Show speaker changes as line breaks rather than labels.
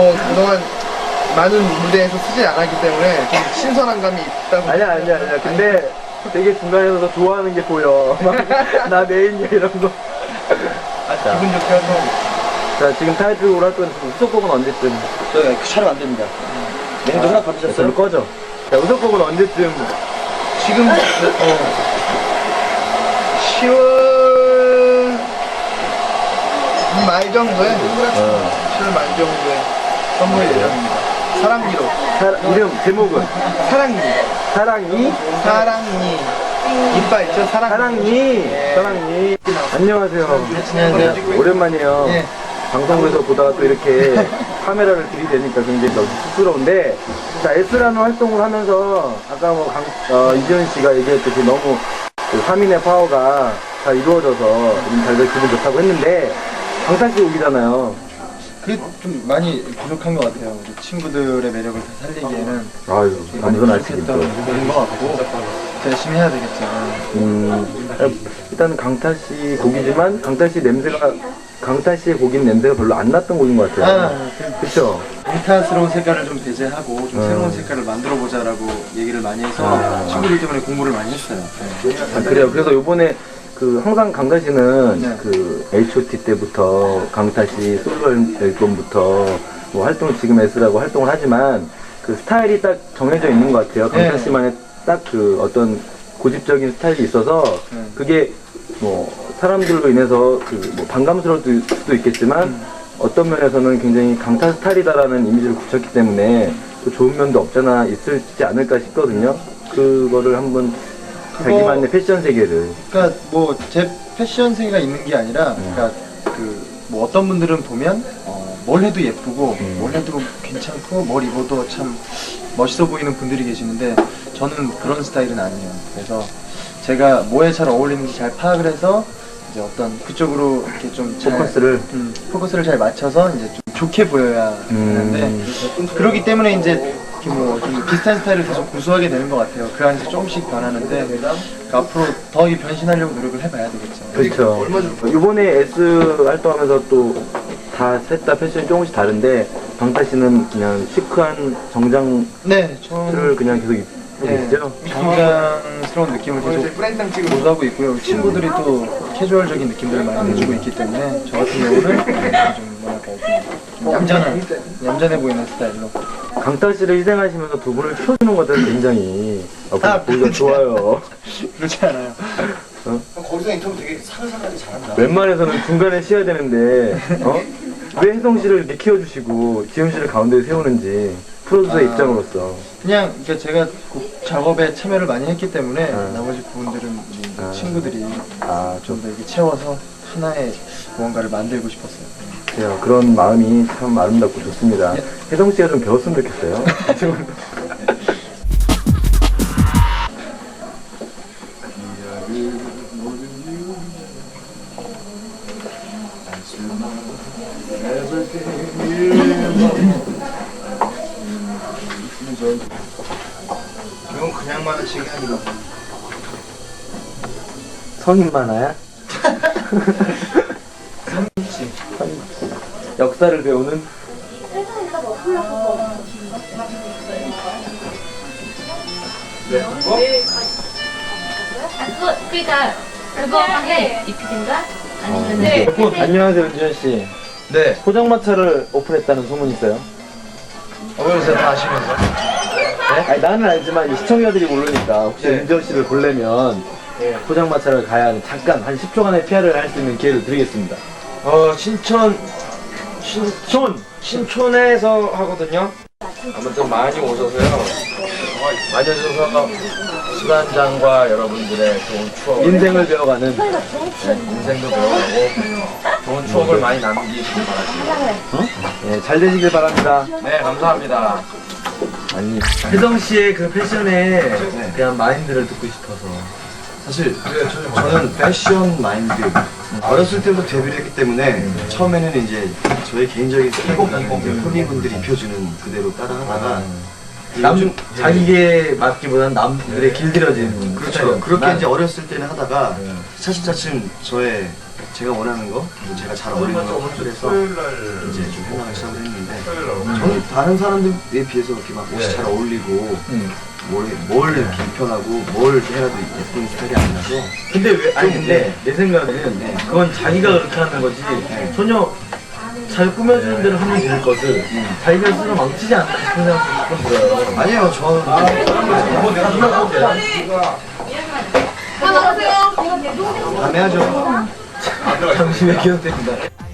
뭐 그동안 많은 무대에서 쓰지 않았기 때문에 좀 신선한 감이 있다고.
아니야. 근데 되게 중간에서 너 좋아하는 게 보여. 막 나 메인이야 이런 거.
자, 기분 좋게 활동.
자, 지금 타이틀곡을 할 거는 우석곡은 언제쯤?
저 촬영 안 됩니다. 메뉴도 하나 받으셨어요?
별로 꺼져. 자, 우석곡은 언제쯤?
지금 10월 말 정도에 10월 말 정도에 선보일 예정입니다. 사랑니로.
이름 제목은?
사랑니.
사랑이?
사랑니. 이빨 있죠? 사랑니.
사랑이. 안녕하세요.
안녕하세요.
오랜만이에요.
예.
방송에서 보다가 또 이렇게 카메라를 들이대니까 굉장히 너무 쑥스러운데, 자, S라는 활동을 하면서 아까 뭐 이지현 씨가 얘기했듯이 너무 그 3인의 파워가 잘 이루어져서 잘 될 기분 좋다고 했는데, 강타 씨 곡이잖아요.
그게 좀 많이 부족한 것 같아요. 우리 친구들의 매력을 다 살리기에는
아유, 완전 알치기죠.
부분인 것 같고 열심히 해야 되겠죠.
일단 강타 씨 곡이지만 강타 씨의 곡인 냄새가 별로 안 났던 곡인 것 같아요. 그렇죠?
비타스러운 색깔을 좀 배제하고 좀 새로운 색깔을 만들어보자라고 얘기를 많이 해서 친구들 때문에 공부를 많이 했어요.
아, 그래요. 그래서 요번에 항상 강타 씨는
네.
그 H.O.T 때부터 강타 씨 솔로 앨범부터 뭐 활동을 지금 S라고 활동을 하지만 그 스타일이 딱 정해져 있는 것 같아요. 강타
네.
씨만의 딱 그 어떤 고집적인 스타일이 있어서 그게 뭐 사람들로 인해서 그 뭐 반감스러울 수도 있겠지만 어떤 면에서는 굉장히 강타 스타일이다라는 이미지를 굳혔기 때문에 또 좋은 면도 없잖아 있을지 않을까 싶거든요. 그거를 한번 자기만의 패션 세계를.
그러니까 뭐 제 패션 세계가 있는 게 아니라, 그러니까 그 뭐 어떤 분들은 보면 뭘 해도 예쁘고 뭘 해도 괜찮고 뭘 입어도 참 멋있어 보이는 분들이 계시는데 저는 그런 스타일은 아니에요. 그래서 제가 뭐에 잘 어울리는지 잘 파악을 해서 이제 어떤 그쪽으로 이렇게 좀 포커스를 잘 맞춰서 이제 좀 좋게 보여야 하는데 그러기 때문에 이제 이렇게 뭐 좀 비슷한 스타일을 계속 구수하게 되는 것 같아요. 그 안에서 조금씩 변하는데 그러니까 앞으로 더 변신하려고 노력을 해봐야 되겠죠.
그렇죠. 이번에 S 활동하면서 또 다 셋 다 패션이 조금씩 다른데 강타 씨는 그냥 시크한 정장을
네,
그냥 계속 입고 계시죠?
정장스러운 느낌을 계속 보유하고 있고요. 친구들이 또 캐주얼적인 느낌들을 많이 내주고 있기 때문에 저 같은 경우는 좀 뭐랄까 좀 얌전해 보이는 스타일로.
강타 씨를 희생하시면서 두 분을 키워주는 것들은 굉장히 보기가 좋아요.
그렇지 않아요.
거기서 인터뷰 되게 사근사근하게 잘한다.
웬만해서는 중간에 쉬어야 되는데 왜 혜성 씨를 이렇게 키워주시고 지현 씨를 가운데 세우는지 프로듀서의 입장으로서.
그냥 그러니까 제가 곡 작업에 참여를 많이 했기 때문에 나머지 부분들은 이제 친구들이 좀 더 이렇게 채워서 하나의 무언가를 만들고 싶었어요.
그런 마음이 참 아름답고 좋습니다. 혜성 씨가 좀 배웠으면 좋겠어요.
이건 그냥 만화책이 아니라
성인 만화야? 역사를 배우는?
그러니까 그거 방에 이피인가 아니면
안녕하세요, 은지현 씨.
네.
포장마차를 오픈했다는 소문이 있어요.
그래서 다 아시면서
아니, 나는 알지만 이 시청자들이 모르니까 혹시 은지현 씨를 보려면 포장마차를 가야 하는 잠깐 한 10초간의 피아를 할 수 있는 기회를 드리겠습니다.
신촌에서 하거든요. 아무튼 많이 오셔서요. 많이 오셔서 시간장과 여러분들의 좋은 추억,
인생을 배워가는.
인생도 배워가고 좋은 추억을 많이 남기시길 바랍니다.
잘 되시길 바랍니다.
네, 감사합니다.
아니, 혜성 씨의 그 패션에 대한 마인드를 듣고 싶어서.
사실 저는 패션 마인드 어렸을 때부터 데뷔를 했기 때문에 처음에는 이제 저의 개인적인 스타일보다는 이제 후배분들이 입혀주는 그대로 따라하다가
자기에 맞기보다는 남들의 길들여진
그렇죠. 그렇게 이제 어렸을 때는 하다가 차츰차츰 저의 제가 원하는 거, 그리고 제가 잘 어울리는 거 선택해서 이제 좀 해나가기 시작을 했는데 저는 다른 사람들에 비해서 그렇게 막 옷이 잘 어울리고 뭘 이렇게 입혀나고 뭘 해라도 예쁜 스타일이 아니라서
근데 왜, 아니 근데 내 생각에는 그건 자기가 그렇게 하는 거지 전혀 잘 꾸며주는 대로 하면 될 것을 자기가 스스로 망치지 않나 싶은 생각도 조금 들어요.
아니에요. 저는 다음에 하죠.
잠시 외교됩니다.